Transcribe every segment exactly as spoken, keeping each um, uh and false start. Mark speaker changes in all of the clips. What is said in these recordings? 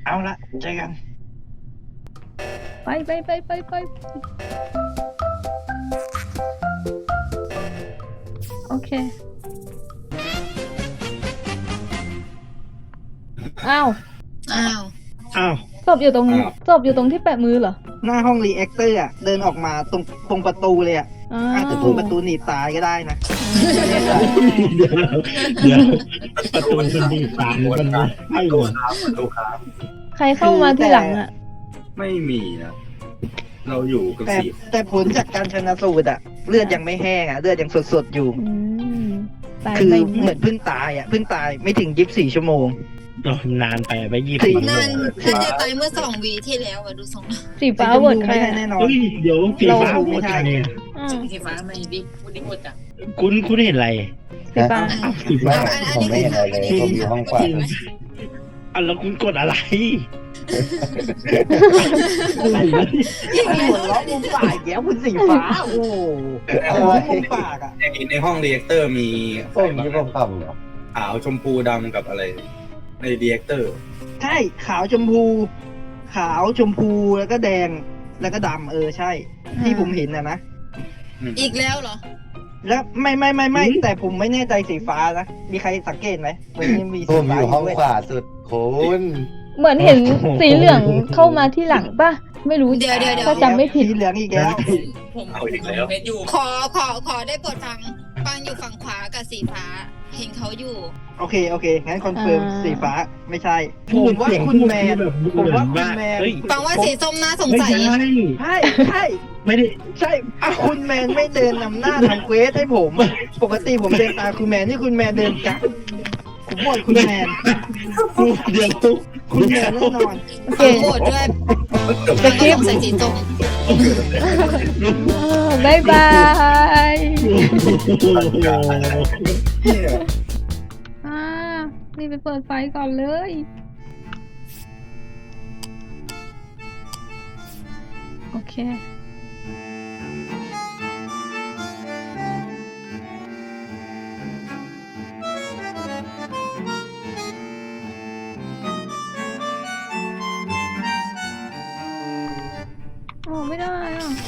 Speaker 1: เอาละเจอกัน
Speaker 2: ไปไปไปไปไปโอเคอ้าว
Speaker 3: อ้าว
Speaker 1: อ้าว
Speaker 2: ศพอยู่ตรงศพอยู่ตรงที่แปะมือเหรอ
Speaker 1: หน้าห้องรีแอคเตอร์อ่ะเดินออกมาตรงตรงประตูเลยอ่ะ
Speaker 2: อ้า
Speaker 1: อาจจะ
Speaker 2: ว
Speaker 1: ถูกประตูหนีบตายก็ได้นะ
Speaker 4: เดี๋ยวเดี๋ยวประตูมันดีตามมันไม่ให้หมด
Speaker 5: ครับประตูครับ
Speaker 2: ใครเข้ามาที่หลังอ่ะ
Speaker 5: ไม่มีนะเราอยู่กัน
Speaker 1: แต่
Speaker 5: สี่
Speaker 1: แต่ผลจากการชนะสูตรอ่ะเลือดยังไม่แห้งอ่ะเลือดยังสดๆอยู่
Speaker 2: อืมตาย
Speaker 1: คือ
Speaker 2: ไป
Speaker 1: เหมือนเพิ่งตายอ่ะเพิ่งตายไม่ถึงยี่สิบสี่ชั่วโมง
Speaker 4: นานไปไปยี่
Speaker 1: สี่
Speaker 4: สิบ
Speaker 3: นั่นน่าจะตายเมื่อสองวีที่แล้วอะดูทรงแล้ว
Speaker 2: สีฟ้า
Speaker 1: สีชม
Speaker 2: โหวต
Speaker 1: พู
Speaker 2: ใคร
Speaker 1: ไม่ใช่
Speaker 2: อะ
Speaker 1: แน่นอน
Speaker 4: เฮ้ยเดี๋ยวสีฟ้า
Speaker 1: เรา
Speaker 4: หมดใครเนี่ย
Speaker 2: อ้าว
Speaker 6: สีฟ้าไม่ดิพูดดิหมดอ่ะ
Speaker 4: คุณคุณเห็นอะไร
Speaker 2: สีฟ้า
Speaker 4: สีฟ้า
Speaker 3: อันอันนี้คือถามอันนี้คือถาม
Speaker 4: อ่ะแล้วคุณกดอะไร
Speaker 1: หัวเราะมุมปากแก้วคุณสีฟ้าโอ้โหมุมปากอ่ะ
Speaker 5: ในในห้องเรียกเตอร์มี
Speaker 7: ส้มที่ผมทำเหรอ
Speaker 5: ขาวชมพูดำกับอะไร ในเรียกเตอร์
Speaker 1: ใช่ขาวชมพู ขาวชมพูแล้วก็แดงแล้วก็ดำเออใช่ ที่ผมเห็นนะนะ
Speaker 3: อีกแล้วเหรอ
Speaker 1: แล้วไม่ไม่ไม่ไม่แต่ผมไม่แน่ใจสีฟ้านะมีใครสังเกตไหมมันมี
Speaker 7: ผ
Speaker 1: สี
Speaker 7: มอ
Speaker 1: ฟ้า
Speaker 7: ยู่ห้อง
Speaker 1: ด้วย
Speaker 7: ขวาสุดคุณ
Speaker 2: เหมือนเห็นสีเหลืองเข้ามาที่หลังป่ะ ไม่รู้
Speaker 3: เดี๋ยวเดี๋ยวเดี๋ยว
Speaker 2: ถ้าจำไม่ผิด
Speaker 1: สีเหลืองอีกแล้ว
Speaker 6: ผมเม็ดอยู่
Speaker 3: ขอขอขอได้โปรดฟังฟังอยู่ฝั่งขวากับสีฟ้า เห็นเขาอยู่
Speaker 1: โอเคโอเคงั้นคอนเฟิร์ม
Speaker 2: อ่า
Speaker 1: สีฟ้าไม่ใช่ผมว่าคุณแมนผมว่าคุณแมน
Speaker 4: เฮ้ย
Speaker 3: ฟังว่าสีส้มน่าสง
Speaker 4: ไม่
Speaker 3: สัย
Speaker 4: ใช่
Speaker 1: ใช่ใช่
Speaker 4: ไม่ได้
Speaker 1: ใช่อ่ะคุณแมนไม่เดินนำหน้าทำเควสให้ผมอะปกติผมเดินตามคุณแมนนี่คุณแมนเดินกลับผมบอกคุณแมน
Speaker 4: เดี๋ยว
Speaker 1: คุณแมนแน่นอน
Speaker 2: โอเค
Speaker 3: ฟังโหวตด้วยฟังก็สงสัยสีส้ม
Speaker 2: บายบาย อ่านี่ไปเปิดไฟก่อนเลย โอเค ออกไม่ได้อ่ะ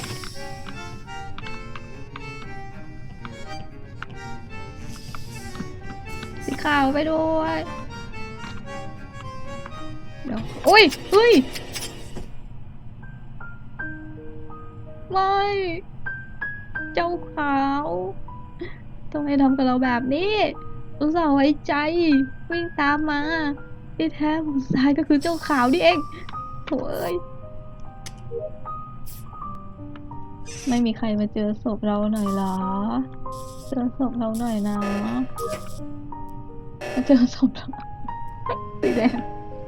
Speaker 2: สีขาวไปด้วย เดี๋ยวอุ้ยเฮ้ย ไม่ เจ้าขาวทำไมทำกับเราแบบนี้อุตส่าห์ไว้ใจ วิ่งตามมาที่แท้ผู้ชายก็คือเจ้าขาวนี่เองโถ่เอ้ย ไม่มีใครมาเจอศพเราหน่อยเหรอ เจอศพเราหน่อยนะ มาเจอศพเราสีแดง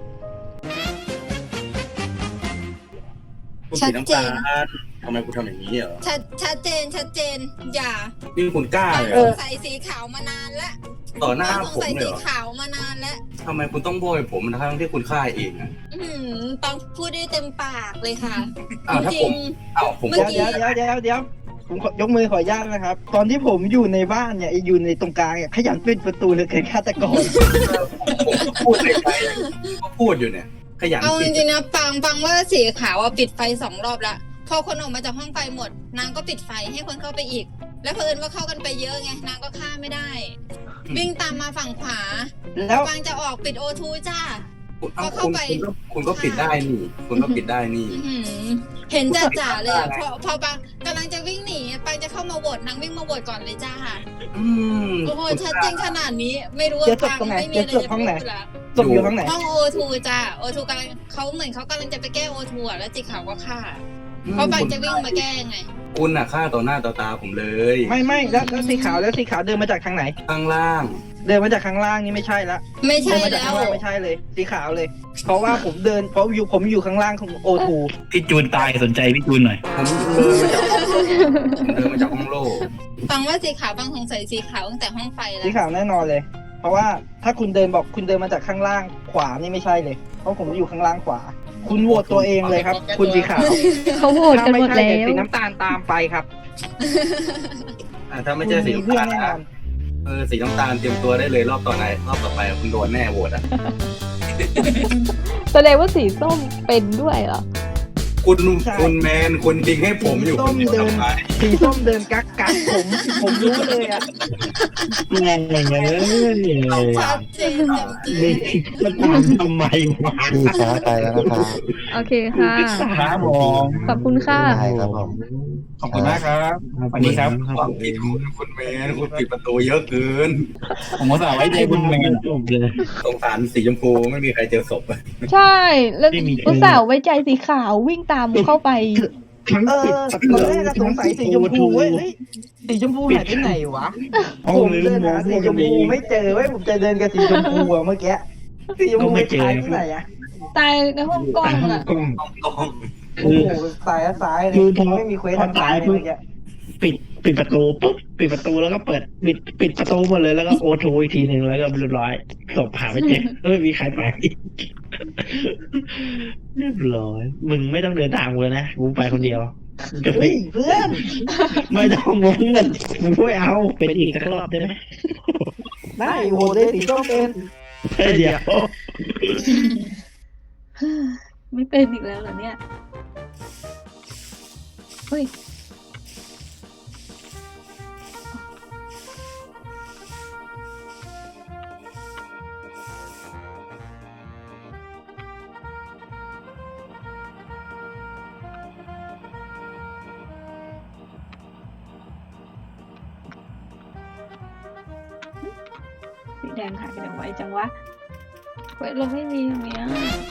Speaker 5: คุณสีน้ำตาลทำไมคุณทำอย่างนี้เหรอ
Speaker 3: ชัดชัดเจนชัดเจน อย่า
Speaker 5: นี่คุณกล้าเลยเหร
Speaker 3: ส
Speaker 5: อง
Speaker 3: สัยสีขาวมานานแล้ว
Speaker 5: ต่อหน้า
Speaker 3: สง
Speaker 5: ผม
Speaker 3: สัย
Speaker 5: เลย
Speaker 3: สี
Speaker 5: เหรอ
Speaker 3: ขาวมานานแล้ว
Speaker 5: ทำไมคุณต้องโบยผมทั้งที่คุณฆ่าเองอ่ะ
Speaker 3: อืมปังพูดได้เต็มปากเลยค่ะ
Speaker 5: อ้าวถ้า
Speaker 3: จ
Speaker 5: ผ
Speaker 3: ริ
Speaker 5: ม
Speaker 3: ง
Speaker 5: อ้าวผม
Speaker 3: เมื่
Speaker 5: บ
Speaker 3: อ
Speaker 5: อก
Speaker 3: กี้
Speaker 1: เดี๋ยวเดี๋ยวเดี๋ยวเดี๋ยวผมขอยกมือขออนุญาตนะครับ ตอนที่ผมอยู่ในบ้านเนี่ยอยู่ในตรงกลางเนี่ยขยันปิดประตูเหลยเกินฆาตกร
Speaker 5: ผมก็พูดในใจก็พูดอยู่เนี่ย ขยัน
Speaker 3: เอาจ
Speaker 5: ปิด
Speaker 3: ริงๆนะปังปังว่าสีขาวอะปิดไฟสองรอบละพอคนออกมาจากห้องไฟหมด นางก็ปิดไฟให้คนเข้าไปอีก แล้วเพิ่นว่าเข้ากันไปเยอะไงนางก็ฆ่าไม่ได้ วิ่งตามมาฝั่งขวา
Speaker 1: แล้ว
Speaker 3: ปังจะออกปิดโอทูจ้า
Speaker 5: เอ้า
Speaker 3: พอเข้า
Speaker 5: คุณ
Speaker 3: ไป
Speaker 5: คุณก็คุณก็ปิดได้นี่ คุณก็ปิดได้นี่
Speaker 3: อื้อหือเห็นจ่าจ่าๆเลยอะพอพอปังกำลังจะวิ่งหนีปังจะเข้ามาโหวตนางวิ่งมาโหวตก่อนเลยจ้า
Speaker 5: อืม
Speaker 3: โอ้โหชัดเจนขนาดนี้ ไม่รู้ว่า
Speaker 1: เดี๋ยวจบ
Speaker 3: ปัง
Speaker 1: ตรงไหน
Speaker 3: ไม่มี
Speaker 1: เดี๋ยว
Speaker 3: อะไร
Speaker 1: จบ
Speaker 3: จะ
Speaker 1: ห้อง
Speaker 3: พู
Speaker 1: ไหน
Speaker 3: ดละ
Speaker 1: ศพอยู่ห้องไหน
Speaker 3: ห้องโอทูจ้าโอทูกำลังเขาเหมือนเขากำลังจะไปแก้โอทูอะแล้วจิกขาวก็ฆ่า เพราะปังจะวิ่งมาแก้ไง
Speaker 5: คุณน่ะฆ่าต่อหน้าต่อตาผมเลย
Speaker 1: ไม่ไม่แล้วแล้วสีขาวแล้วสีขาวเดินมาจากทางไหน
Speaker 5: ข้างล่าง
Speaker 1: เดินมาจากข้างล่างนี่ไม่ใช่ละ
Speaker 3: ไม่
Speaker 1: เดิ
Speaker 3: ใช่
Speaker 1: นมาจาก
Speaker 3: แล้
Speaker 1: ข้าง
Speaker 3: ว
Speaker 1: ล่างไม่ใช่เลย สีขาวเลย เพราะว่าผมเดินเพราะอยู่ผมอยู่ข้างล่างของโอทู
Speaker 4: พี่จูนตายสนใจพี่จูนหน่อย
Speaker 5: ผมเดินมาจากผมเดินมาจากห้องโล่
Speaker 3: ฟังว่าสีขาวฟังสงสัยสีขาวตั้งแต่ห้องไฟแล้
Speaker 1: สี
Speaker 3: ว
Speaker 1: ขาวแน่นอนเลย เพราะว่าถ้าคุณเดินบอกคุณเดินมาจากข้างล่างขวานี่ไม่ใช่เลย เพราะผมอยู่ข้างล่างขวา คุณโหวตตัวเองเลยครับ คุณสีขาว
Speaker 2: เขาโหวตกันหมด
Speaker 1: ถ้า
Speaker 2: แล้
Speaker 1: ไใช่เยว สีน้ำตาลตามไปครับ
Speaker 5: อ่ะถ้าไม่
Speaker 1: คุณ
Speaker 5: ใช่สี
Speaker 1: มีเพื่อน
Speaker 5: น้ำตาล
Speaker 1: แน่นอ
Speaker 5: นะ
Speaker 1: น
Speaker 5: เออสีน้ำตาลเตรียมตัวได้เลยรอบต่อไหนรอบต่อไปคุณโดนแน่โหวตอ่ะ
Speaker 2: แสดงว่าสีส้มเป็นด้วยเหรอ
Speaker 5: คุณคุณแมนคุณทิ้งให้ผมอยู่คนเดียวทำไม
Speaker 1: สีส้มเดินกักกักผมผมรู้เลยอ่ะ
Speaker 4: แรงอย่างเงี้ยเลย
Speaker 3: ชัดเจนเต็มที่
Speaker 4: นี่จะตามทำไมวะ
Speaker 7: พี่ช้าไปแล้วนะครับ
Speaker 2: โอเคค่ะ
Speaker 5: ครับผม
Speaker 2: ขอบคุณค่ะ
Speaker 7: ได้ครับผม
Speaker 5: ขอบคุณมากครับสวัสดีครับความผิดคุณคุณแมนคุณปิดประตูเยอะเกิน ผมก็สาวไว้ใจคุณแมน
Speaker 4: จบเลย
Speaker 5: สงสารสีชมพูไม่มีใครเจอศพ
Speaker 2: ใช่ แล้ว
Speaker 4: ไม่มี
Speaker 2: อุตส่าห์ไว้ใจสีขาววิ่งตามเข้าไป
Speaker 4: ทั้ง
Speaker 1: เอ
Speaker 4: ปิด
Speaker 1: อ
Speaker 4: ประตู
Speaker 1: ตอนแรกก็สงสัยสีชมพูเว้ยเฮ้ยสีชมพูหายไปไหนวะผมเดินหาสีชมพูไม่เจอเว้ยผมจะเดินกับสีชมพูอะเมื่อกี้สีชมพูไม่หายไปไหนอะ
Speaker 2: ตายในห้องกล้องอะ
Speaker 4: กล้อง
Speaker 1: โอ้โหสายซ้ายเลยไม่มีเควสทางซ้ายเลยเมื่อกี้
Speaker 4: ปิดปิดประตูปุ๊บปิดประตูแล้วก็เปิดปิดปิดประตูหมดเลยแล้วก็โอทูอีกทีหนึ่งแล้วก็เรียบร้อยศพหาไม่เจอไม่มีใครไปเรียบร้อยมึงไม่ต้องเดินตามกูเลยนะกูไปคนเดียวจะไป
Speaker 1: เฮ้ยเพื่อน
Speaker 4: ไม่ต้องงงเงินมึงไม่เอาเป็นอีกสักรอบได้ไหม
Speaker 1: ได้โหได้สีส้มเป็น
Speaker 4: เฮ้ยเดี๋ยว
Speaker 2: ไม่เป็นอีกแล้วเหรอเนี่ยเฮ้ย สีแดงหายไปไหนไวจังวะเว้ยเราไม่มีอย่างเงี้ย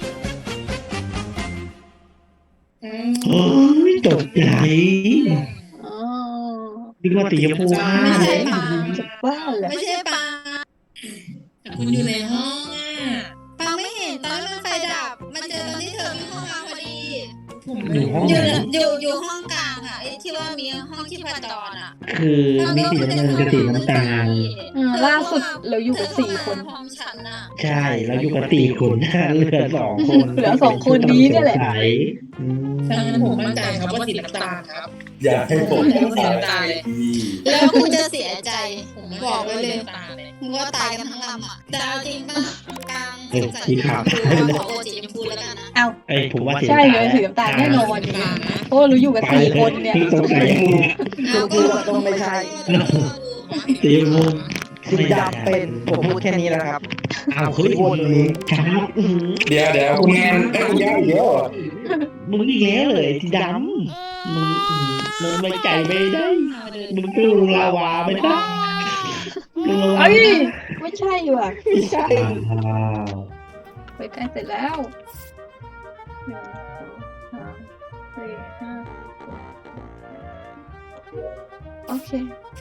Speaker 4: โอ้ยตกใจ
Speaker 2: อ๋อ
Speaker 4: นึกว่าตีชมพูว่า
Speaker 3: ไม่ใช่ปาง
Speaker 2: จะบ้าเหรอ
Speaker 3: ไม่ใช่ปาง
Speaker 6: แต่คุณอยู่ในห้องอ่ะ
Speaker 3: ปางไม่เห็นตอนที่มันไฟดับ มันเจอตอนที่เธอวิ่งเข้ามาพอดี
Speaker 6: ผม
Speaker 4: อยู่ห้อง
Speaker 3: อ
Speaker 4: ไหน
Speaker 3: ยู่อยู่อยู่ห้องกลางอ่ะไอ้ที่ว่ามีห้องที่ประจรอ่ะ
Speaker 4: คือมีสีน้ำเงินกับสีน้ำตาล
Speaker 2: อ่าล่าสุดเราอยู่กับสี่คน
Speaker 3: พร้อมฉันอ่ะ
Speaker 4: ใช่แล้วอยู่กับตีคนเหลือสองคน
Speaker 2: เหลือสองคนนี้เนี่ยแหละ
Speaker 4: สงสัยอืม
Speaker 6: ฉะนั้นผมมั่นใจครับว่าสีน้ำตาลครับ
Speaker 5: อยากให้ผม
Speaker 6: ผมสีน้ำตาลเลย
Speaker 3: แล้วคุณจะเสียใจ
Speaker 6: ผม
Speaker 3: บอกไว้เลย
Speaker 6: น้ำตาลเลย
Speaker 3: มึงว่าตายกันทั้งลำอ่ะแต่เอาจริงป่ะกลาง
Speaker 4: เฮ้ย
Speaker 3: สงสัย
Speaker 4: สีขาว
Speaker 3: ขอโอจีชมพูแล้วกันนะ
Speaker 2: เอา
Speaker 4: ไอ้ยผมว่าสี
Speaker 2: ใช่เลยสีน้ำตาลแน่นอนอย่างเงี้ยเพราะว่าเราอยู่กับสี่คนเนี่ย
Speaker 4: ที่สงสัย
Speaker 1: ชมพูอะต้องไม่ใช่
Speaker 4: สีชมพู
Speaker 1: สีดำเป็นผมพูดแค่นี้แล้วครับ
Speaker 4: อ้าวเฮ้ยวนเลยครับอื้อหือ
Speaker 5: เดี๋ยวเดี๋ยวคุณแมนไอ้คุณย่าอีกแล้ว
Speaker 4: มึงอีกแล้วเลยสีดำมึงอื้อมึงไม่ใจไม่ได้มึงตู้ลาวาไม่ได้มึงลาวา
Speaker 2: เอ้ยไม่ใช่ว่ะ
Speaker 1: ไม่ใช่
Speaker 4: อ้าว
Speaker 2: ไปใกล้เสร็จแล้วหนึ่งสองสามสี่ห้าโอเค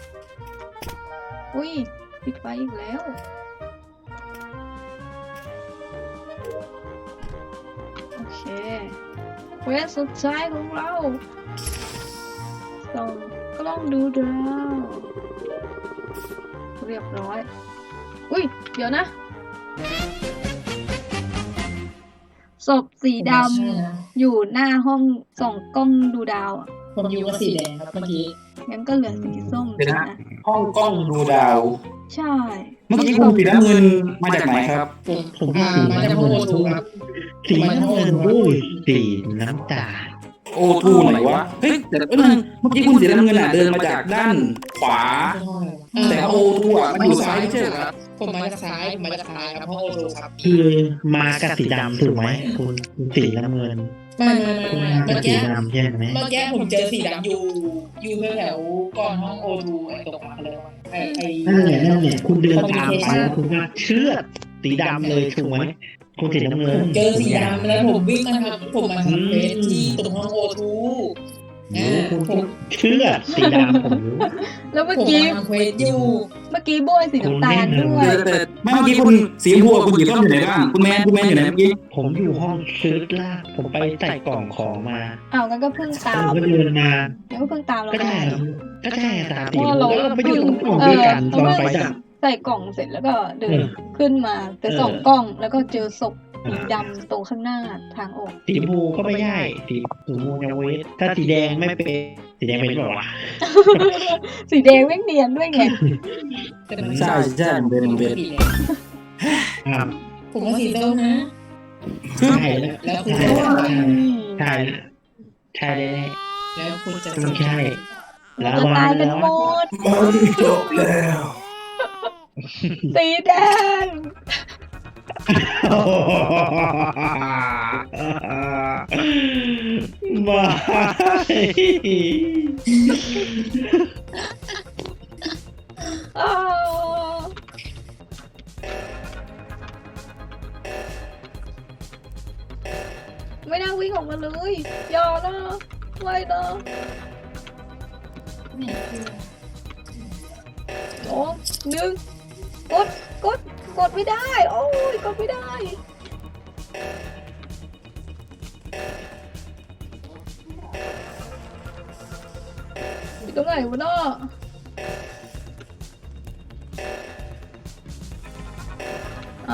Speaker 2: อุ้ยปิดไฟอีกแล้วโอเคเควสสุดท้ายของเราส่องกล้องดูดาวเรียบร้อยอุ้ยเดี๋ยวนะศพสีดำอยู่หน้าห้องส่องกล้องดูดาวอ่ะ
Speaker 6: ผมอยู่กับสีแดงครับเมื่อกี้
Speaker 2: งั้นก็เหลือสีส้ม
Speaker 5: เดี๋ยวนะ
Speaker 2: นะ
Speaker 5: ห้องกล้องดูดาว
Speaker 2: ใช่
Speaker 5: เมื่อกี้คุณสีน้ำเงินมาจากไหนครับ
Speaker 6: ผม
Speaker 4: ผม
Speaker 6: อ่า
Speaker 4: สี
Speaker 6: มาจาก
Speaker 4: น้ำ
Speaker 6: โอ
Speaker 4: เงิน
Speaker 6: ทูครับ
Speaker 4: สีน้ำเงินด้วยสีน้ำตาล
Speaker 5: โอทูไหนวะ เฮ้ยแต่เอ้ยเมื่อกี้คุณสีน้ำเงินอ่ะเดินมาจากด้านขวา แต่โอทูอ่ะมันอยู่ซ้ายไม่ใช่เหรอครับ
Speaker 6: ผมมาจากซ้ายผมมาจากซ้ายครับเพราะโอทูครับ
Speaker 4: คือมากับสีดำถูกไหมคุณคุณสีน้ำเงิน
Speaker 6: ไม่ไม่ไม่
Speaker 4: คุณ
Speaker 6: ไม่
Speaker 4: มา
Speaker 6: เมื่
Speaker 4: กั
Speaker 6: อบ
Speaker 4: สี
Speaker 6: กี้
Speaker 4: ดำใช่ไหม
Speaker 6: เมื่อกี้ผมเจอสีดำอยู่อยู่แถวๆก่อนห้องโอทูไอ้ตรงนั้นเลยไอ้ไอ้
Speaker 4: นั่นแหละนั่นแหละคุณเดินตามไปแล้วคุณก็เชื่อดสีดำเลยถูกไหมคุณสีน้ำเงิน
Speaker 6: เจอสีดำแล้วผมวิ่งมาทำผมมาทำเฟสที่ตรงห้องโอทู
Speaker 4: รู้คุณเชื่อดสีดำผมรู้
Speaker 2: แล้วเมื่อ
Speaker 6: ผม
Speaker 2: กี้
Speaker 6: มาทำเฟสอยู่
Speaker 2: เมื่อกี้โบยสีน้ำตาลด้วย
Speaker 5: แต่ไม่เมื่อกี้คุณสีชมพูกับคุณสีส้มอยู่ไหนบ้างคุณแมนคุณแมนอยู่ไหนเมื่อกี้
Speaker 4: ผมอยู่ห้องซื้อลากผมไปใส่กล่องของมา
Speaker 2: อ้าวงั้นก็เพิ่งตา
Speaker 4: ผม
Speaker 2: ม
Speaker 4: ก็เดินมา
Speaker 2: งั้นก็เพิ่งตามเรา
Speaker 4: ก็
Speaker 2: ได้
Speaker 4: ได้ก็ได้ตามสี
Speaker 2: เพราะเรา
Speaker 4: แล้วเราไปอยู่ตรงกล่องด้วยกันตอนไฟดับ
Speaker 2: ใส่กล่องเสร็จแล้วก็เดินขึ้นมาจะส่องกล้องแล้วก็เจอศพสีดำตรงข้างหน้าทางออก
Speaker 4: สีชมพูก็ไม่ใช่สีชมพูยังเวทถ้าสีแดงไม่เป็นสีแดงเป็นหรอวะ
Speaker 2: สีแดงแม่งเนียนด้วยไง
Speaker 5: ใช่ใช่เป็นเป็น
Speaker 4: อ่า
Speaker 6: ผมว่าสีส้มนะ
Speaker 4: ใช่แล้ว
Speaker 6: แล้วคุณ
Speaker 4: ใช่
Speaker 6: จะ
Speaker 4: ใช่ใช่แน่
Speaker 6: แล้วคุณจะ
Speaker 4: ๆไม่ใช่แล้ว
Speaker 2: จะ
Speaker 4: มา
Speaker 2: ตายกัน
Speaker 4: แล้ว
Speaker 2: หมด
Speaker 5: มันจบแล้ว
Speaker 2: สีแดง
Speaker 4: มา
Speaker 2: อ้าวไม่น่าวิ่งออกมาเลยอย่านะไม่นะสองหนึ่งกดกดกดไม่ได้โอ้ยกดไม่ได้อยู่ตรงไหนวะเนาะเอา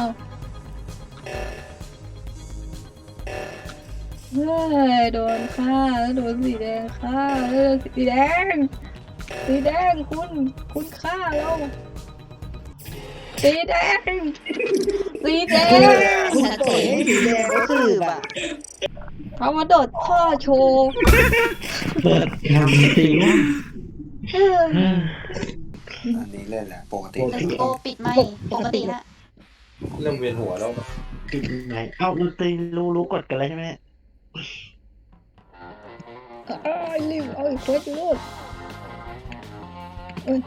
Speaker 2: เฮ้ยโดนฆ่าแล้วโดนสีแดงฆ่าแล้วโดนสีแดงสีแดงคุณคุณฆ่าเราสีแดงสีแดง
Speaker 1: คุณปล่อยให้สีแดงเขาสืบอ่ะ
Speaker 2: เขามาโดดท่อโชว์
Speaker 4: เปิดทำสีว่า
Speaker 2: เฮ้ย
Speaker 7: อันนี้เล่นแหละปกติ
Speaker 8: โอปิดไม่ปกติละ
Speaker 7: เริ่มเวียนหัวแล้ว
Speaker 4: ปิดไหนเอ้าดนตรีรู้รู้กดกันแล้วใช่ไหม
Speaker 2: อ้ายรีบเอาอีกคนอยู่นู่นเอ้ย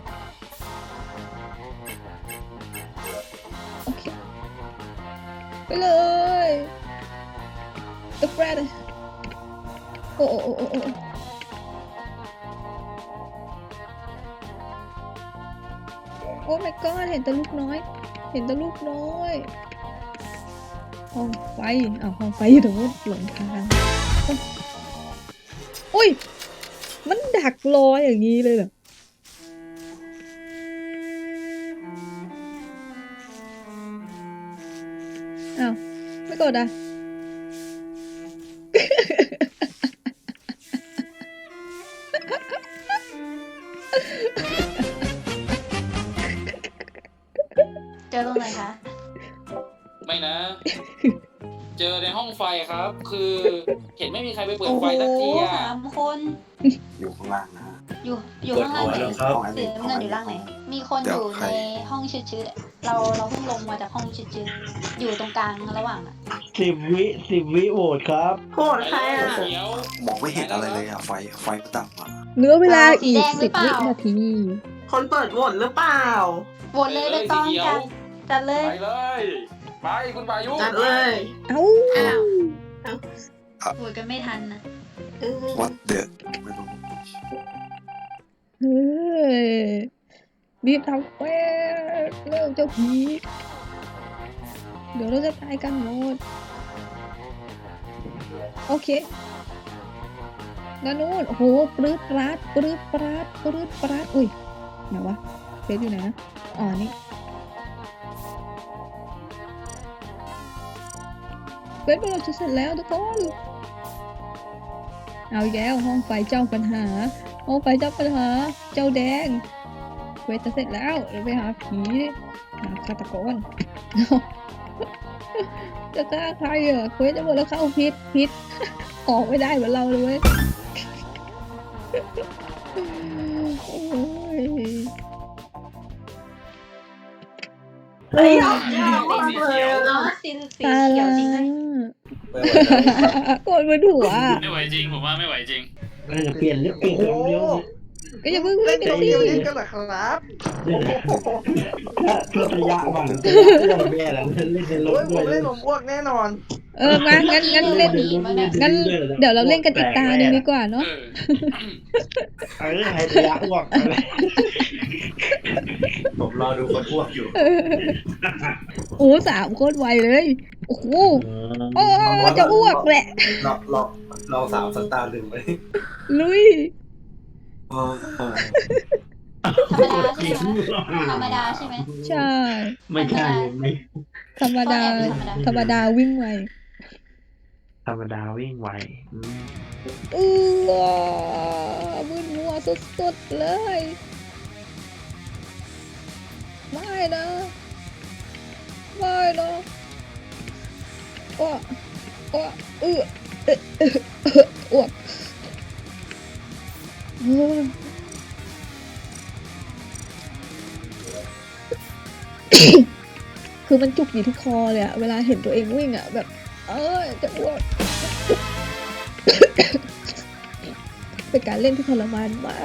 Speaker 2: โอเคไปเลยตะแปรดโอ้โอ้โอ้โอ้โอ้โอ้ my god เห็นแต่ลูกน้อย เห็นแต่ลูกน้อยห้องไฟอ้าวห้องไฟอยู่ตรงนู้นหลงทางอุ้ยมันดักรออย่างนี้เลยเหรออ้าวไม่กดอ่ะ
Speaker 8: เจอตรงไหนคะ
Speaker 5: ไม่นะ เจอในห้องไฟครับ คือเห็นไม่มีใครไปเปิดไฟสักที
Speaker 8: โอ้
Speaker 5: อ่ะ
Speaker 8: สามคน
Speaker 7: อยู่ข้างล่างนะ
Speaker 8: อยู่อยู่ข้างล่างไหน
Speaker 7: ห้องอัน
Speaker 8: สี
Speaker 7: นี้
Speaker 8: น้ำเงินอยู่ล่างไหน มีคนอยู่ในห้องชืดๆอะเราเราเพิ่งลงมาจากห้องชืดๆอยู่ตรงกลางระหว่างอะ
Speaker 4: สิบวิสิบวิโหวตครับ
Speaker 9: โหดใครอ่ะ
Speaker 5: เดี๋ยว
Speaker 7: มองไม่เห็นอะไรเลยอ่ะ ไฟ ไฟมันดับอ่ะ
Speaker 2: เหลือเวลาอีกสิบวินาที
Speaker 9: คนเปิดโหวตหรือเปล่า
Speaker 8: โหวตเลยเลยต้องจัดจัดเลย
Speaker 5: ไปเลย ไปคุณปายุ
Speaker 9: จัดเลย
Speaker 2: เอ้า
Speaker 8: อ้าวโหวตกันไม่ทันนะ
Speaker 9: เออ
Speaker 7: What the ไม่รู้
Speaker 2: เฮ้ยรีบทำเว้ยเร็วเจ้าผีเดี๋ยวเราจะตายกันหมดโอเคด้านนู้นโอ้โหปรื๊ดปราดปรื๊ดปราดปรื๊ดปราดอุ้ยไหนวะเฟซอยู่ไหนนะอ๋อนี่เฟซเราจะเสร็จแล้วทุกคนเอาอีกแล้วห้องไฟเจ้าปัญหาห้องไฟเจ้าปัญหาเจ้าแดงเควสจะเสร็จแล้วเราไปหาผีหาฆาตกร จะฆ่าใครอ่ะเควสจะหมดแล้วเข้าพิษพิษ ออกไม่ได้เหมือนเราเลยเว้ย โอ้ย
Speaker 9: เฮ้ย
Speaker 8: เป็นสีเขียวเนาะสีสี
Speaker 2: ตา
Speaker 8: เขีย
Speaker 2: ลาว
Speaker 8: จริงนะ
Speaker 2: โกรธบนหัว
Speaker 5: ไม่ไหวจริง ผมว่าไม่ไหวจริง
Speaker 4: เราจะเปลี่ยนเรื่องเปลี่ยนคำเดียว
Speaker 2: ก็อย่าเพิ่ง
Speaker 1: เล่
Speaker 2: เล่
Speaker 1: น
Speaker 2: นกัน
Speaker 1: เดี
Speaker 2: สิ
Speaker 1: ยวเล่นกันเหรอครับ
Speaker 4: ถ้าเพื่อระยะบ้างระยะเรื่องแม่แล้วเล่นในรถ
Speaker 1: โอ้ยผ
Speaker 4: ด้วย
Speaker 1: มเล่นผมอ้วกแน่นอน
Speaker 2: เออมางั้นงั้นเล่นงั้นเดี๋ยวเราเล่นกันอีกตาหนึ่งดีกว่าเนาะ
Speaker 5: เออ
Speaker 4: เออให้ระยะอ้วกอะไร
Speaker 7: ผมรอดูคนอ้วกอยู่
Speaker 2: โอ้สามโคตรไวเลยโอ้โหโอ้จะอ้วกแหละ
Speaker 7: ลองลองลองสามสตาร์หนึ่งไหม
Speaker 2: ลุย
Speaker 7: อ๋อ
Speaker 8: ธรรมดาใช่ไหมธรรมดาใช่ไหม
Speaker 2: ใช่
Speaker 4: ไม่ใช่ไม่
Speaker 2: ธรรมดา ธรรมดาวิ่งไว
Speaker 4: ธรรมดาวิ่งไวอืม
Speaker 2: เออมึนมัวสุดๆเลย ไม่นะไม่นะอ้วกอ้วกเออเออเออเอออ้วกเออคือมันจุกอยู่ที่คอเลยอะเวลาเห็นตัวเองวิ่งอะแบบ เออจะอ้วก เป็นการเล่นที่ทรมานมาก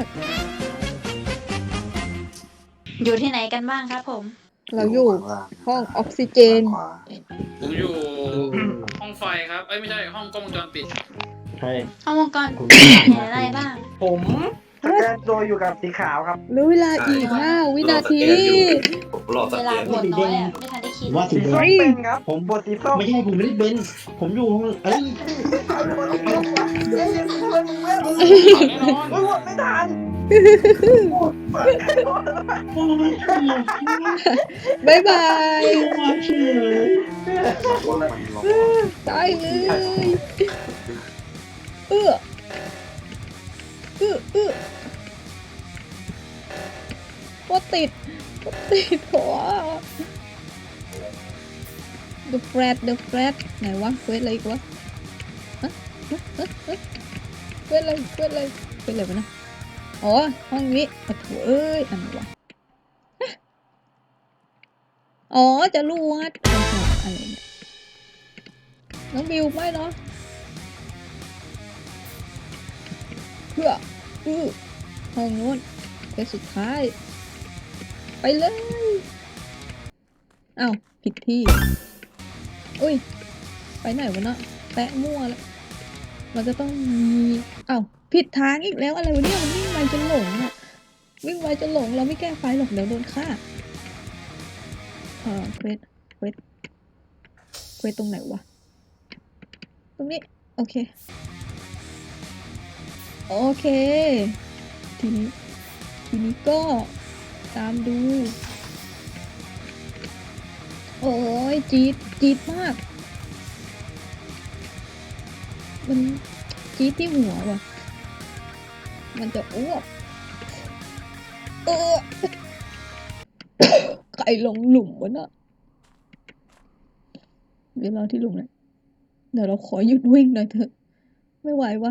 Speaker 8: อยู่ที่ไหนกันบ้างครับผม
Speaker 2: เราอยู่
Speaker 7: ข้างล่าง
Speaker 2: ห้องออกซิเจน
Speaker 7: ขวา
Speaker 5: ผมอยู่ห้องไฟครับเอ้ยไม่ใช่ห้องกล้องวงจรปิด
Speaker 4: ใช่
Speaker 8: ห้องวงกรเห็นอะไรบ้าง
Speaker 1: ผมสแกนตัวอยู่กับสีขาวครับ
Speaker 2: เหลือเวลาอีกห้าวินาที
Speaker 7: ผมรอส
Speaker 8: เว
Speaker 7: แก
Speaker 8: ลาน บทน้อยอ่ะ ไม่ทันได้คิด
Speaker 4: ว่าสี
Speaker 1: สี
Speaker 4: แด
Speaker 1: ส้ม
Speaker 4: ง
Speaker 1: เป็นครับ ผมบทสีส้ม
Speaker 4: ไม่ใช่ผมไม่ได้เป็น ผมอยู่ห้องเอ้ย
Speaker 1: เอาบทสีส้มวะเอ้ยทำไมมึงเว้ย
Speaker 5: แน่นอน
Speaker 1: โอ้ยบทไม่ทัน
Speaker 4: โอ้ยเชี่ย
Speaker 2: บายบาย
Speaker 4: เชี่ย
Speaker 2: ตายเลยเออเออเออโคตรติดโคตรติดหัว The Flat The Flat ไหนวะเควสอะไรอีกวะฮะฮะฮะฮะเควสอะไรเควสอะไรเควสอะไรวะนะอ๋อห้องนี้โอ้โหเอ้ยอันไหนวะฮะอ๋อจะรวดโอ้โหอะไรเนี่ยน้องบิวไม่เนาะเพื่ออือห้องโน้นเควสสุดท้ายไปเลยอ้าวผิดที่อุ้ยไปไหนวะเนาะแปะมั่วแล้วมันจะต้องมีอ้าวผิดทางอีกแล้วอะไรวะเนี่ยมันวิ่งไวจนหลงอะวิ่งไวจนหลงเราไม่แก้ไฟหรอกเดี๋ยวโดนฆ่าเออเควสเควสเควสตรงไหนวะตรงนี้โอเคโอเคทีนี้ทีนี้ก็ตามดูโอ้ยจี๊ดจี๊ดมากมันจี๊ดที่หัวว่ะมันจะอ้วกเออ ใครลงหลุมวะน่ะเดี๋ยวรอที่หลุมเลยเดี๋ยวเราขอหยุดวิ่งหน่อยเถอะไม่ไหววะ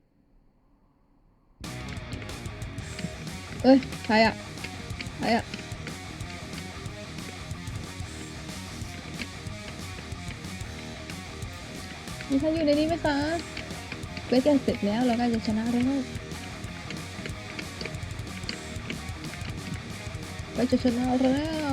Speaker 2: เอ้ยใครอะใครอะมีใครอยู่ในนี้ไหมคะเวทกันเสร็จแล้วเราใกล้จะชนะแล้วใกล้จะชนะแล้ว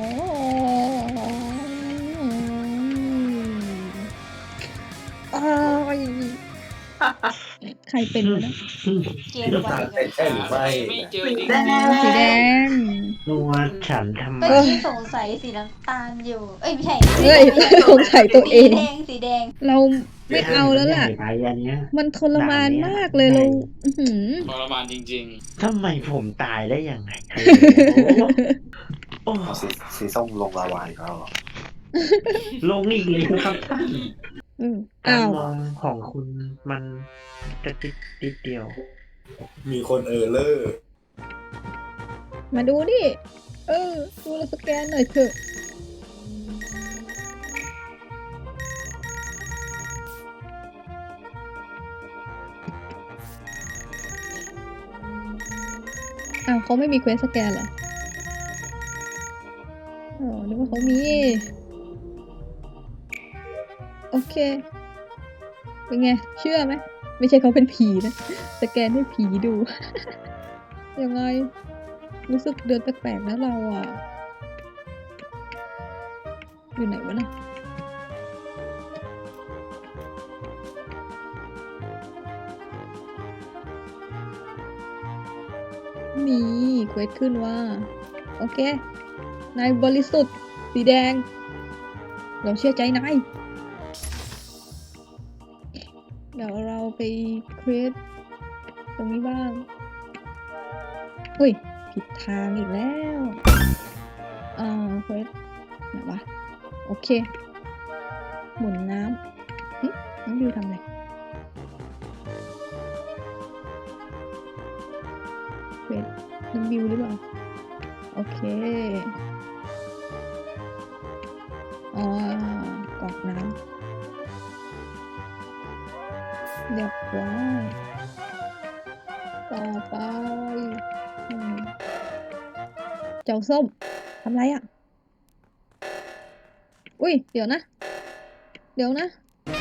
Speaker 2: อ้ายใครเป็นวะนะ
Speaker 8: เกมไวเลย
Speaker 7: ใช่หรือไม่
Speaker 5: ไม่เจอจริง
Speaker 9: แดง
Speaker 2: สีแดง
Speaker 4: นัวฉันทำไม
Speaker 8: เมื่อกี้สงสัยสีน้ำตาลอยู่ เอ้ยไม่ใช่
Speaker 2: เฮ้ยสงสัยตัวเอ
Speaker 8: สี
Speaker 2: ง
Speaker 8: แดงสีแดง
Speaker 2: เราไม่เอาแล้วล่ะ
Speaker 4: ไปอันเนี้ย
Speaker 2: มันทรมานมากเลยเราอื้อหือ
Speaker 5: ทรมานจริง
Speaker 4: ทำไมผมตายได้ยังไงโอ้
Speaker 7: เอาสีสีส้มลงลาวาอีกแล้วเหรอ
Speaker 4: ลงอีกเลยครับท่าน
Speaker 2: อืม
Speaker 4: การ
Speaker 2: อ้าว
Speaker 4: มองของคุณมันกระติดติดเดียว
Speaker 7: มีคนเออเลอร์
Speaker 2: มาดูดิ เออ ดูเราสแกนหน่อยเถอะ อ้าวเขาไม่มีเควสสแกนเหรอ อ๋อ นึกว่าเขามี โอเค เป็นไง เชื่อไหม ไม่ใช่เขาเป็นผีนะ สแกนให้ผีดู ยังไง รู้สึกเดินแปลกๆนะเราอ่ะ อยู่ไหนวะนะนี่เควสขึ้นว่า โอเค นายบริสุทธิ์สีแดง เราเชื่อใจนาย เดี๋ยวเราไปเควสตรงนี้บ้าง อุ้ยผิดทางอีกแล้วเอ่อเควสไหนวะโอเคหมุนน้ำหึน้องบิวทำอะไรเควสน้องบิวหรือเปล่าโอเคอ๋อกรอกน้ำเรียบร้อยต่อไปอืมเจ้าส้มทำไรอ่ะ อุ้ยเดี๋ยวนะ เดี๋ยวนะ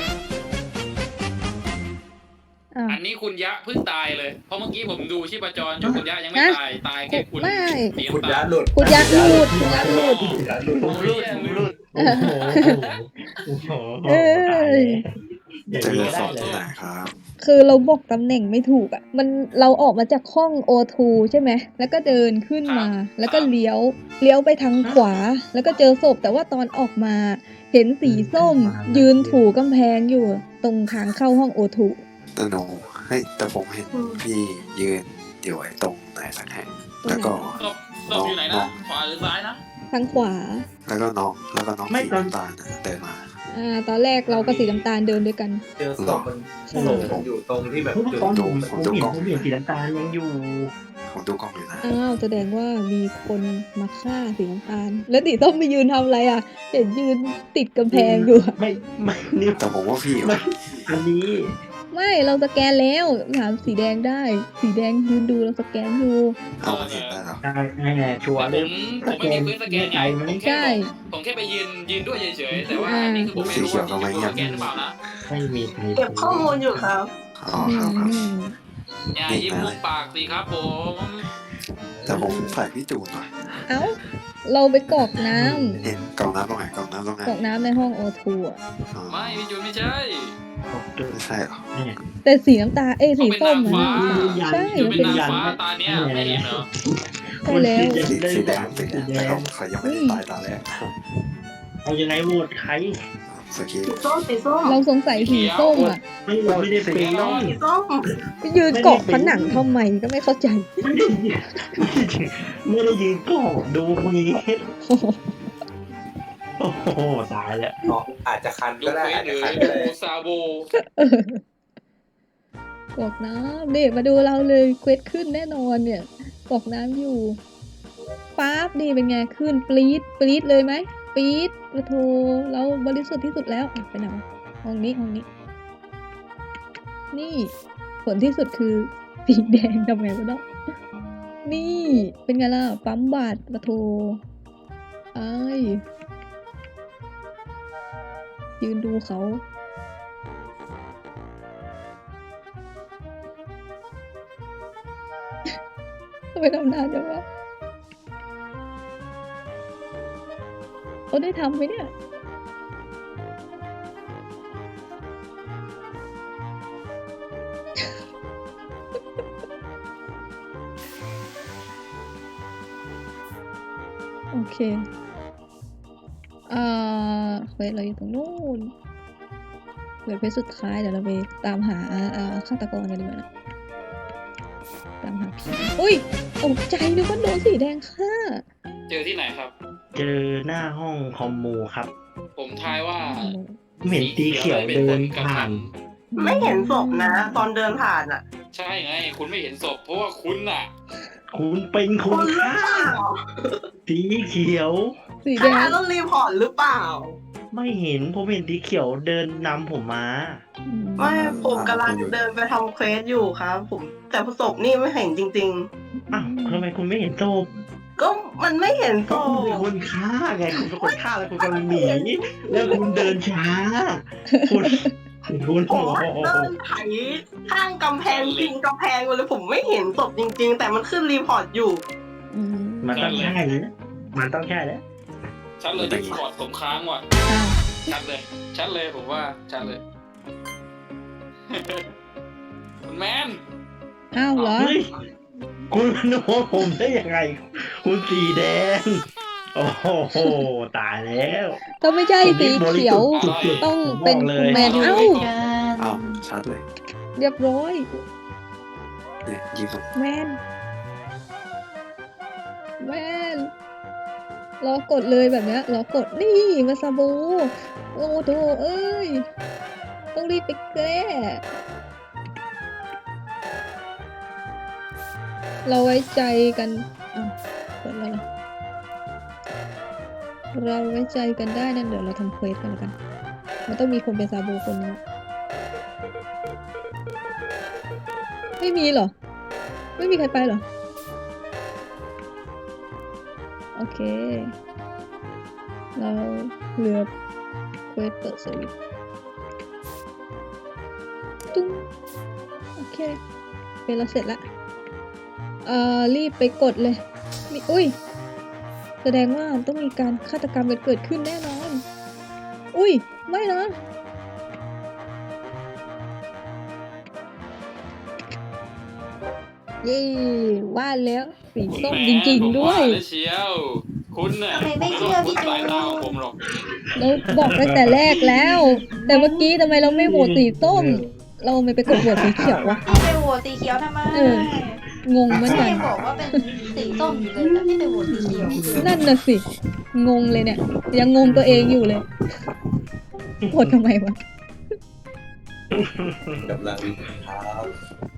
Speaker 2: อ้าว
Speaker 5: อันนี้คุณยะเพิ่งตายเลย เพราะเมื่อกี้ผมดูชีพจรอยู่คุณยะยังไม่ตาย ตายแค่คุณ
Speaker 2: ไม่
Speaker 5: เสียง
Speaker 7: คุณ
Speaker 5: ตา
Speaker 7: ย้าย หลุด
Speaker 2: คุณยักษ์หลุดคุณยักษ์หลุด
Speaker 4: ผมรูดผมรูดโอ้โหโอ้โห
Speaker 2: เอ้ย
Speaker 4: อย่าง
Speaker 7: เจอ
Speaker 4: นี้
Speaker 7: ศ
Speaker 4: ได้
Speaker 7: พ
Speaker 4: เล
Speaker 7: ที่
Speaker 4: ย
Speaker 7: ไหนครับ
Speaker 2: คือเราบอกตำแหน่งไม่ถูกอ่ะ มันเราออกมาจากห้อง โอ ทู ใช่ไหม แล้วก็เดินขึ้นมา แล้วก็เลี้ยว เลี้ยวไปทางขวา แล้วก็เจอศพ แต่ว่าตอนออกมา เห็นสีส้ม ยืนถูกำแพงอยู่ ตรงทางเข้าห้อง โอ ทู
Speaker 7: แต่หนูเฮ้ยแต่ผมเห็นพี่ยืนอยู่ไอ้ตรงไหนสักแห่งแล้วก็
Speaker 5: ศพศพอยู่ไหนนะ ขวาหรือซ้ายนะ
Speaker 2: ทางขวา
Speaker 7: แล้วก็น้องแล้วก็น้องสีน้ำตาลน่ะเดินมา
Speaker 2: อ่า ตอนแรกเรากับสีน้ำตาลเดินด้วยกัน
Speaker 7: เจอศพมัน
Speaker 2: ใช่
Speaker 7: อยู่ตรงที่แบบ
Speaker 4: ทุกตอนผมผมเห็นผมเห็นสีน้ำตาลยังอยู่
Speaker 7: ผมดูกล้องอยู่นะ
Speaker 2: อ้าวแสดงว่ามีคนมาฆ่าสีน้ำตาล แล้วสีส้มไปยืนทำอะไรอ่ะ เห็นยืนติดกำแพงอยู่อะ
Speaker 4: ไม่ไม่นี่
Speaker 7: แต่ผมว่าพี่
Speaker 4: ไม่อันนี้
Speaker 2: ไม่เราสแกนแล้วถามสีแดงได้ สีแดงยืนดูเราสแกนอยู่
Speaker 7: เอามาเห็นได้หรอ
Speaker 4: ได้แน่ชัวร์
Speaker 5: ผ
Speaker 4: เลย
Speaker 5: มผมไม่มีพื้นสแกนไง
Speaker 4: ใจไหม
Speaker 5: ผมแค่
Speaker 2: ใช่
Speaker 5: ผมแค่ไปยืนยืนด้วยเฉยๆ แต่ว่าอันนี้คือผมไม่รู้ว่าที่อยู่สแกนหรือเปล่านะ
Speaker 4: ไม่มีใคร
Speaker 9: เก็บข้อมูลอยู่ครับ
Speaker 7: อ๋อครับครับ
Speaker 2: อืม
Speaker 5: อย่ายิ้มมุมปากสิครับผม
Speaker 7: แต่ผมใส่พี่จูนหน่อย
Speaker 2: เอ้า เราไปกรอกน้ำ
Speaker 7: เห็นกล่องน้ำตรงไหนกล่องน้ำตรงไหน
Speaker 2: กรอกน้ำในห้อง โอ ทู อ่ะ
Speaker 7: อ๋อ
Speaker 5: ไม่พี่จูนไม่ใช่
Speaker 7: ไม่ใช่หรอ
Speaker 2: แต่สีน้ำตาลเอ้ยสีส้ม
Speaker 5: เขา
Speaker 2: อ่ะ
Speaker 5: เป็นนางฟ้า
Speaker 2: ใช่
Speaker 5: จูน
Speaker 2: มัน
Speaker 5: เป็น
Speaker 2: เป็น
Speaker 5: นางฟ้าตาเนี้ยไม่เห็นเหรอ
Speaker 2: ใช่แล้ว
Speaker 7: สีสีแดงสีแดงแต่เขาเขายังไม่ได้ตายตาแรก
Speaker 4: เอายังไงโหวตใคร
Speaker 7: สกี
Speaker 9: สีส้มสีส้ม
Speaker 2: เราสงสัยสีส้มอ่ะ
Speaker 4: ไม่ไม่ได้เป็น
Speaker 9: สีส้ม
Speaker 2: ไปยืนเกาะผนังทำไมก็ไม่เข้าใจ
Speaker 4: ไม่ได้ยืนไม่ได้ยืนกอดดูมือโอ้โหตายแล้ว
Speaker 7: อาจจะคัน
Speaker 5: ดู
Speaker 7: ก็ได้
Speaker 5: เฟซ
Speaker 7: อาจ
Speaker 5: หรื
Speaker 7: จะ
Speaker 5: อ
Speaker 7: คันก็ได้
Speaker 5: ดูซาโบ
Speaker 2: กรอกน้ำนี่มาดูเราเลยเควสขึ้นแน่นอนเนี่ยกรอกน้ำอยู่ป๊าบนี่เป็นไงขึ้นปรี๊ดปรี๊ดเลยไหมปรี๊ดกระโทเราบริสุทธิ์ที่สุดแล้วอ่ะไปไหนวะห้องนี้ห้องนี้ นี่ผลที่สุดคือสีแดงทำไงวะเนาะนี่เป็นไงล่ะปั๊มบัตรกระโทไอ้ายยืนดูเขาทำไมทำนานจังวะเขาได้ทำไหมเนี่ย โอเค อ่าเควสเราอยู่ตรงนู้นเควสสุดท้ายเดี๋ยวเราไปตามหาอ่าฆาตกรกันดีกว่านะ ตามหาผีอุ้ยตกใจนึกว่าโดนสีแดงฆ่า
Speaker 5: เจอที่ไหนครับ
Speaker 4: เจอหน้าห้องคอมมูครับ
Speaker 5: ผมทายว่า
Speaker 4: เหม็นตีเขียวเดินผ่าน
Speaker 9: ไม่เห็นศพนะ ตอนเดินผ่านอ่ะ
Speaker 5: ใช่ไง คุณไม่เห็นศพเพราะว่าคุณน่ะ
Speaker 4: คุณเป็นคนฆ่าสีเขียว
Speaker 2: สีแด
Speaker 9: ถ้าง ต้องรีพอร์ตหรือเปล่า
Speaker 4: ไม่เห็นผมเห็นสีเขียวเดินนำผมมา
Speaker 2: อืม
Speaker 9: ไม่ผมกำลังเดินไปทำเควสอยู่ครับ ผมแต่ศพนี่ไม่เห็นจริง
Speaker 4: อ้าวทำไมคุณไม่เห็นศพ
Speaker 9: ๆ ก็มันไม่เห็นศ
Speaker 4: ก็คุณเป็น
Speaker 9: พ
Speaker 4: คนฆ่าไงคุณเป็นคนฆ่าแล้วคุณกำลังหนีแล้วคุณเดินช้า คุณคุณ
Speaker 9: ผ
Speaker 4: โอ้
Speaker 9: ม
Speaker 4: โห
Speaker 9: เดินไถข้างกำแพงพิงกำแพงไปเลยผมไม่เห็นศพจริง ๆ แต่มันขึ้นรีพอร์ตอยู่
Speaker 2: อืม
Speaker 4: มันต้องใช่เลยมันต้องใช่แล้ว
Speaker 5: ชัดเลยที่กอดผมค้างว่ะ
Speaker 2: อ้าว
Speaker 5: ชัดเลย ชัดเลยผมว่า ชัดเลย คุณแมน
Speaker 2: อ้าวเหรอ
Speaker 4: เฮ้ยคุณโน้ผมได้ยังไง คุณสีแดง โอ้โหตายแล้ว
Speaker 2: ถ้าไม่ใช่สีเขียว ต้องเป็นคุณแมนเอ้า
Speaker 7: อ้าวชัดเลย
Speaker 2: เรียบร้อย
Speaker 7: เนี่ยยิงผม
Speaker 2: แมนแม่นรอกดเลยแบบเนี้ยรอกดนี่มาซาบูโอ้โถเอ้ยต้องรีบไปแก้เราไว้ใจกันอ่ะเปิดแล้วเหรอเราไว้ใจกันได้นั่นเดี๋ยวเราทำเควสกันแล้วกันมันต้องมีคนเป็นซาบูคนนึงไม่มีเหรอไม่มีใครไปเหรอโอเคเราเหลือเควสเปิดสวิตช์ตุ้งโอเคเป็นเราเสร็จละเอ่อรีบไปกดเลยมีอุ้ยแสดงว่าต้องมีการฆาตกรรมเกิดขึ้นแน่นอนอุ้ยไม่นะเย้ว่าแล้วสีส้มจริงๆด้วย
Speaker 5: เชียวคุณน่ะ
Speaker 8: ทำไมไม่เชื่อพี่จู
Speaker 5: สายตาของผมหรอก
Speaker 2: เราบอกตั้งแต่แรกแล้ว แต่เมื่อกี้ทำไมเราไม่โหวตสีส้ม เราไม่ไปกดโหวตสีเขียววะ
Speaker 8: พี่ไปโหวตสีเขียวทำไม
Speaker 2: เออ งงเหมือน
Speaker 8: พี่
Speaker 2: กัน
Speaker 8: ยังบอกว่าเป็นสีส้มอยู่เลยแต่พี่ไปโหวตสีเขียว
Speaker 2: นั่นน่ะสิ งงเลยเนี่ย ยังงงตัวเองอยู่เลยโหวตทำไมวะ
Speaker 7: กำลังครับ